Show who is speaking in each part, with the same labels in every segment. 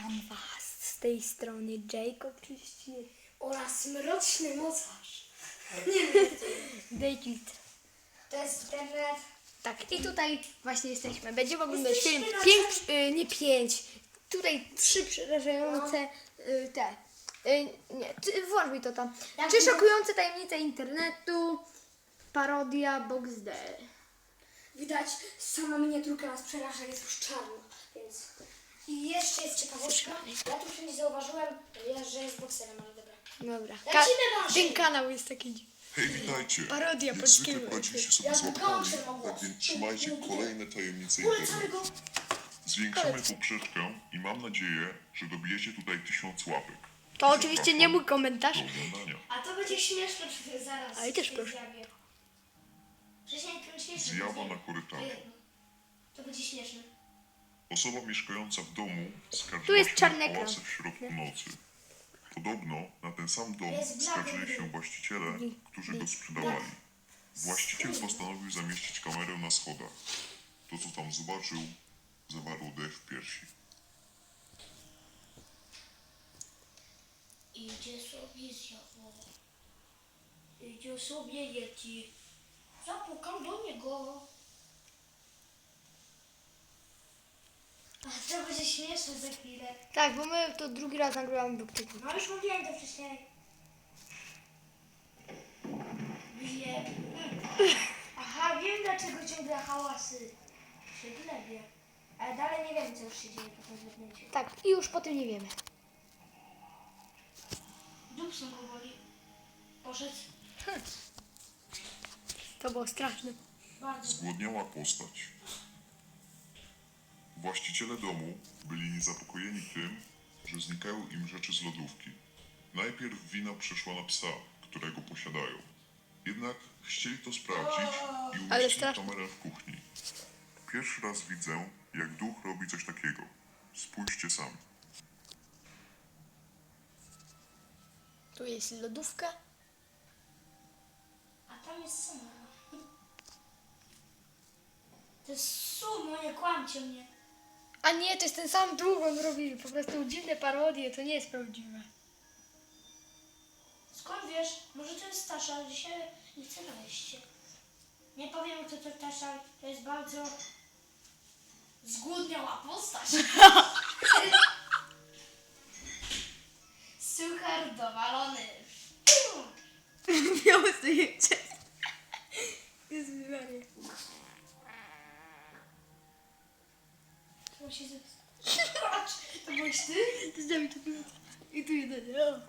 Speaker 1: Witam was z tej strony Jacob 31
Speaker 2: oraz mroczny mocarz.
Speaker 1: David.
Speaker 2: To jest internet.
Speaker 1: Tak, i tutaj właśnie jesteśmy. Będziemy oglądać film
Speaker 2: Jesteśmy na
Speaker 1: 5, tutaj 3 przerażające włącz mi to tam.
Speaker 2: Jak
Speaker 1: 3
Speaker 2: widzę-
Speaker 1: szokujące tajemnice internetu, parodia Box D.
Speaker 2: Widać, sama miniaturka nas przeraża, jest już czarno, więc... I jeszcze jest ciekawostka. Ja tu wszędzie zauważyłem, że jest bokserem, ale dobra.
Speaker 1: Dobra.
Speaker 2: Lecimy na
Speaker 1: Ten kanał jest taki.
Speaker 3: Hej, witajcie!
Speaker 1: Parodia
Speaker 3: Jak
Speaker 1: polskiego.
Speaker 3: zwykle poradziliście sobie
Speaker 2: Ja
Speaker 3: z
Speaker 2: wyglądam
Speaker 3: łapkami,
Speaker 2: się
Speaker 3: tak więc trzymajcie kolejne tajemnice
Speaker 2: Polecamy
Speaker 3: internetu.
Speaker 2: go.
Speaker 3: Zwiększamy poprzeczkę i mam nadzieję, że dobijecie tutaj 1000 łapek.
Speaker 1: To oczywiście nie mój komentarz.
Speaker 3: Do oglądania.
Speaker 2: A to będzie śmieszne zaraz.
Speaker 1: Ale też
Speaker 2: w tej
Speaker 1: proszę.
Speaker 2: zjawie. Wcześniej śmieszne.
Speaker 3: Zjawa na korytarzu.
Speaker 2: To będzie śmieszne.
Speaker 3: Osoba mieszkająca w domu
Speaker 1: Tu
Speaker 3: skarżyła
Speaker 1: jest
Speaker 3: się
Speaker 1: czarny
Speaker 3: na
Speaker 1: ekran.
Speaker 3: hałasy w środku nocy. Podobno na ten sam dom
Speaker 2: Jest blady
Speaker 3: skarżyli
Speaker 2: gry.
Speaker 3: się właściciele, którzy go sprzedawali. Właściciel postanowił zamieścić kamerę na schodach. To, co tam zobaczył, zawarło dech w piersi.
Speaker 2: Idzie sobie zjawo. Idzie sobie Yeti. Zapukam do niego. A to będzie śmieszne za chwilę.
Speaker 1: Tak, bo my to drugi raz nagrywamy Buktyku.
Speaker 2: No już mówiłem to wcześniej. Wiem. Aha, wiem dlaczego ciągle hałasy. Się glebie. Ale dalej nie wiem co już się dzieje po tym zlepnięciu.
Speaker 1: Tak, i już po tym nie wiemy.
Speaker 2: Dupsą go boli. Poszedł.
Speaker 1: To było straszne.
Speaker 2: Bardzo.
Speaker 3: Zgłodniała postać. Właściciele domu byli niezapokojeni tym, że znikają im rzeczy z lodówki. Najpierw wina przeszła na psa, którego posiadają. Jednak chcieli to sprawdzić i
Speaker 1: Ale
Speaker 3: umieścili
Speaker 1: straszne.
Speaker 3: kamerę w kuchni. Pierwszy raz widzę, jak duch robi coś takiego. Spójrzcie sami.
Speaker 1: Tu jest lodówka.
Speaker 2: A tam jest sumo. To jest sumo, nie kłamcie mnie.
Speaker 1: A nie, to jest ten sam duch, on robi po prostu dziwne parodie, to nie jest prawdziwe.
Speaker 2: Skąd wiesz? Może to jest Tasza, ale dzisiaj nie chcę wejść. Nie powiem kto to Tasza, to jest bardzo zgłodniała postać. Suchar dowalony.
Speaker 1: Miało zdjęcie. Jezu Maria.
Speaker 2: To się Patrz, to byłeś ty?
Speaker 1: To zdamy to było. I tu jeden. O.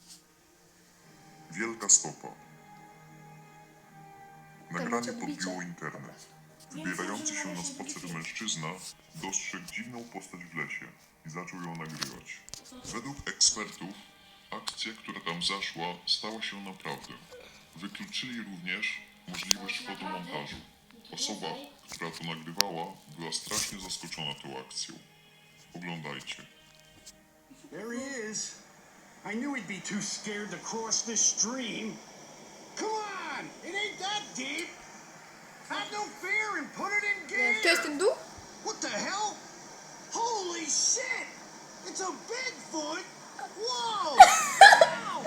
Speaker 3: Wielka stopa. Nagranie podbiło internet. Wybierający się na spacer mężczyzna dostrzegł dziwną postać w lesie i zaczął ją nagrywać. Według ekspertów akcja, która tam zaszła, stała się naprawdę. Wykluczyli również możliwość fotomontażu. Osoba, która to nagrywała, była strasznie zaskoczona tą akcją. Oglądajcie.
Speaker 4: There he is. I knew he'd be too scared to cross this stream. Come on! It ain't that deep! Have no fear and put it in gear!
Speaker 1: To jest ten duch?
Speaker 4: What the hell? Holy shit! It's a Bigfoot! Whoa! Ow!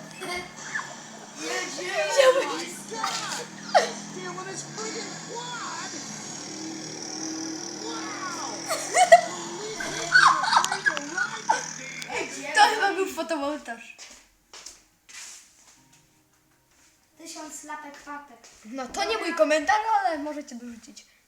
Speaker 4: Oh my god! Stealing his friggin' quad! Wow! Police ain't afraid to ride with me!
Speaker 1: To chyba był fotomontaż.
Speaker 2: 1000 lapek papek.
Speaker 1: No to nie mój komentarz, ale możecie dorzucić.